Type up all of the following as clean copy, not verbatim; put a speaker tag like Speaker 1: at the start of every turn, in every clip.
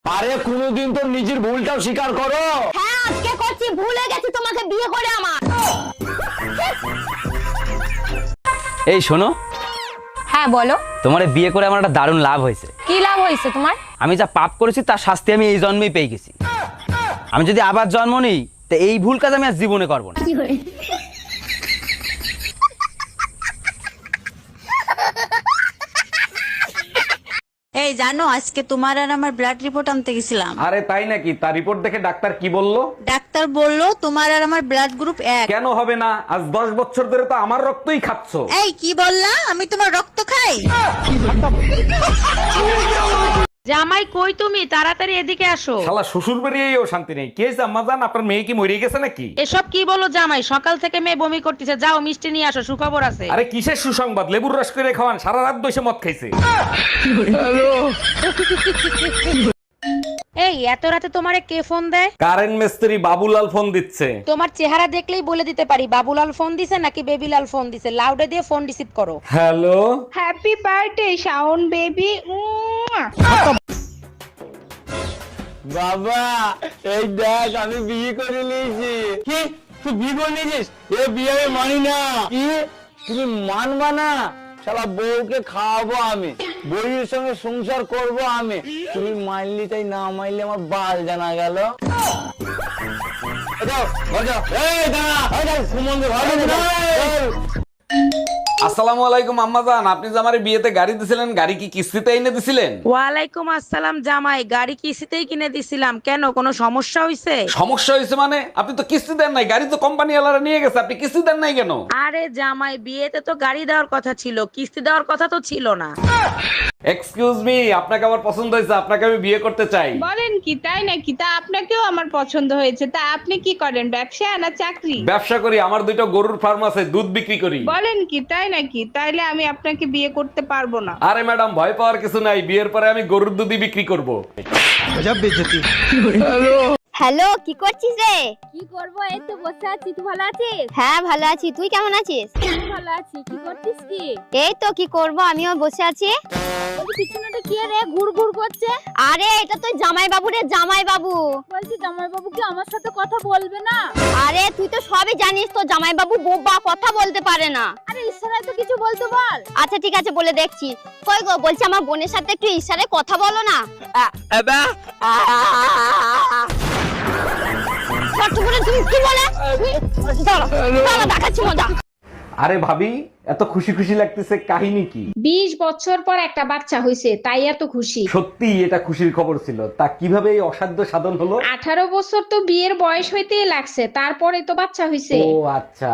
Speaker 1: আরে কোনোদিন তো নিজের ভুলটাও স্বীকার করো।
Speaker 2: হ্যাঁ আজকে করছি, ভুলে গেছি তোমাকে বিয়ে করে আমার।
Speaker 3: এই শোনো,
Speaker 4: হ্যাঁ বলো,
Speaker 3: তোমার এই বিয়ে করে আমার একটা দারুণ লাভ হয়েছে।
Speaker 4: কি লাভ হয়েছে তোমার?
Speaker 3: আমি যা পাপ করেছি তার শাস্তি আমি এই জন্মেই পেয়ে গেছি। আমি যদি আবার জন্ম নিই তো এই ভুল কাজ আমি আর জীবনে করবো না।
Speaker 5: এই জানো, আজকে তোমার আর আমার ব্লাড রিপোর্ট আনতে গেছিলাম।
Speaker 1: আরে তাই নাকি? তার রিপোর্ট দেখে ডাক্তার কি বললো?
Speaker 5: ডাক্তার বলল তোমার আর আমার ব্লাড গ্রুপ এক।
Speaker 1: কেন হবে না? আজ 10 বছর ধরে তো আমার রক্তই খাচ্ছ।
Speaker 5: এই কি বললা? আমি তোমার রক্ত খাই?
Speaker 6: জামাই কই তুমি? তাড়াতাড়ি এদিকে আসো।
Speaker 1: শালা শ্বশুর বাড়িয়েও শান্তি নেই। কে আম্মা জান, আপনার মেয়ে কি মরে গেছে নাকি?
Speaker 6: এসব কি বলো জামাই? সকাল থেকে মেয়ে বমি করতেছে, যাও মিষ্টি নিয়ে আসো, সুখবর আছে।
Speaker 1: আরে কিসের সুসংবাদ? লেবুর রস করে খাওয়ান, সারা রাত বসে মদ খাইছে।
Speaker 6: এই এত রাতে তোমারে কে ফোন দেয়?
Speaker 1: কারেন্ট মিস্ত্রি বাবুলাল ফোন দিচ্ছে।
Speaker 6: তোমার চেহারা দেখলেই বলে দিতে পারি বাবুলাল ফোন দিছে নাকি বেবিলাল ফোন দিছে। লাউডে দিয়ে ফোন রিসিভ করো।
Speaker 1: Hello,
Speaker 7: happy birthday Shaon baby.
Speaker 1: বাবা এই দেখ আমি বিয়ে করে নিয়েছি। কি তুই বিয়ে করে নিয়েছিস? এ বিয়ে আমি মানি না। কি তুমি মানবা না? শালা বউকে খাওয়াবো আমি, বউয়ের সঙ্গে সংসার করব আমি। তুমি মানলি তাই, না মানলে আমার বাল জানা গেল। আসসালামু আলাইকুম আম্মাজান, আপনি যে আমার বিয়েতে গাড়ি দিছিলেন, গাড়ি কি কিস্তিতে এনে দিছিলেন?
Speaker 6: ওয়ালাইকুম আসসালাম জামাই, গাড়ি কিস্তিতেই কিনে দিছিলাম। কেন, কোনো সমস্যা হয়েছে?
Speaker 1: সমস্যা হয়েছে মানে? আপনি তো কিস্তি দেন নাই, গাড়ি তো কোম্পানি ওয়ালারা নিয়ে গেছে, আপনি কিস্তি দেন নাই কেন?
Speaker 6: আরে জামাই, বিয়েতে তো গাড়ি দেওয়ার কথা ছিল, কিস্তি দেওয়ার কথা তো ছিল না।
Speaker 1: এক্সকিউজ মি, আপনাকে আমার পছন্দ হয়েছে, আপনাকে আমি বিয়ে করতে চাই।
Speaker 7: বলেন কি, তাই নাকি? তা আপনাকেও আমার পছন্দ হয়েছে। তা আপনি কি করেন, ব্যবসা না চাকরি?
Speaker 1: ব্যবসা করি, আমার 2টা গরুর ফার্ম আছে, দুধ বিক্রি করি।
Speaker 7: বলেন কি, তাই নাকি? তাইলে আমি আপনাকে বিয়ে করতে পারবো না।
Speaker 1: আরে ম্যাডাম, ভয় পাওয়ার কিছু নাই, বিয়ের পরে আমি গরুর দুধই বিক্রি করব।
Speaker 2: হ্যালো, কি করছিস রে?
Speaker 4: কি করব, এই তো বসে আছি। তুই ভালো আছিস?
Speaker 2: হ্যাঁ ভালো আছি, তুই কেমন আছিস?
Speaker 4: আমি ভালো আছি। কি করছিস কি?
Speaker 2: এই তো কি করব, আমিও বসে আছি।
Speaker 4: বলছি পিছনেটা কি রে ঘুর ঘুর করছে?
Speaker 2: আরে এটা তো জামাই বাবু রে, জামাই বাবু।
Speaker 4: বলছি জামাই বাবু কি আমার সাথে কথা বলবে না?
Speaker 2: আরে তুই তো সবই জানিস, তো জামাই বাবু বোবা, কথা বলতে পারে না।
Speaker 4: আরে ইশারায় তো কিছু বলতে বল।
Speaker 2: আচ্ছা ঠিক আছে, বলে দেখছি। কই গো, বলছি আমার বোনের সাথে একটু ইশারায় কথা বলো না। তুমি কি বলে? দাঁড়া, দেখাচ্ছি মজা।
Speaker 1: আরে ভাবি, এত খুশি খুশি লাগতেছে, কাহিনী কি?
Speaker 8: 20 বছর পর একটা বাচ্চা হইছে, তাই এত খুশি।
Speaker 1: সত্যি এটা খুশির খবর ছিল। তা কিভাবে এই অসাধ্য সাধন হলো?
Speaker 8: 18 বছর তো বিয়ের বয়স হইতেই লাগছে, তারপরে তো বাচ্চা হইছে।
Speaker 1: ও আচ্ছা।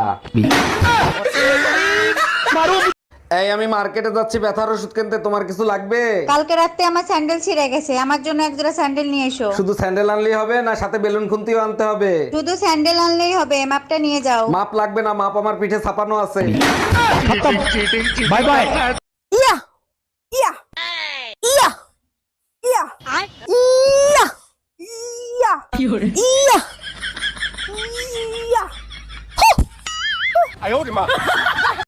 Speaker 1: এই আমি মার্কেটে যাচ্ছি ব্যথার ওষুধ কিনতে, তোমার কিছু লাগবে?
Speaker 5: কালকে রাতে আমার স্যান্ডেল ছিঁড়ে গেছে, আমার জন্য এক জোড়া স্যান্ডেল নিয়ে এসো।
Speaker 1: শুধু স্যান্ডেল আনলেই হবে না, সাথে বেলুন খুন্তিও আনতে হবে?
Speaker 5: শুধু স্যান্ডেল আনলেই হবে, মাপটা নিয়ে যাও।
Speaker 1: মাপ লাগবে না, মাপ আমার পিঠে ছাপানো আছে।
Speaker 3: Bye bye.
Speaker 2: ইয়া ইয়া ইয়া ইয়া ইয়া ইয়া ইয়া ইয়া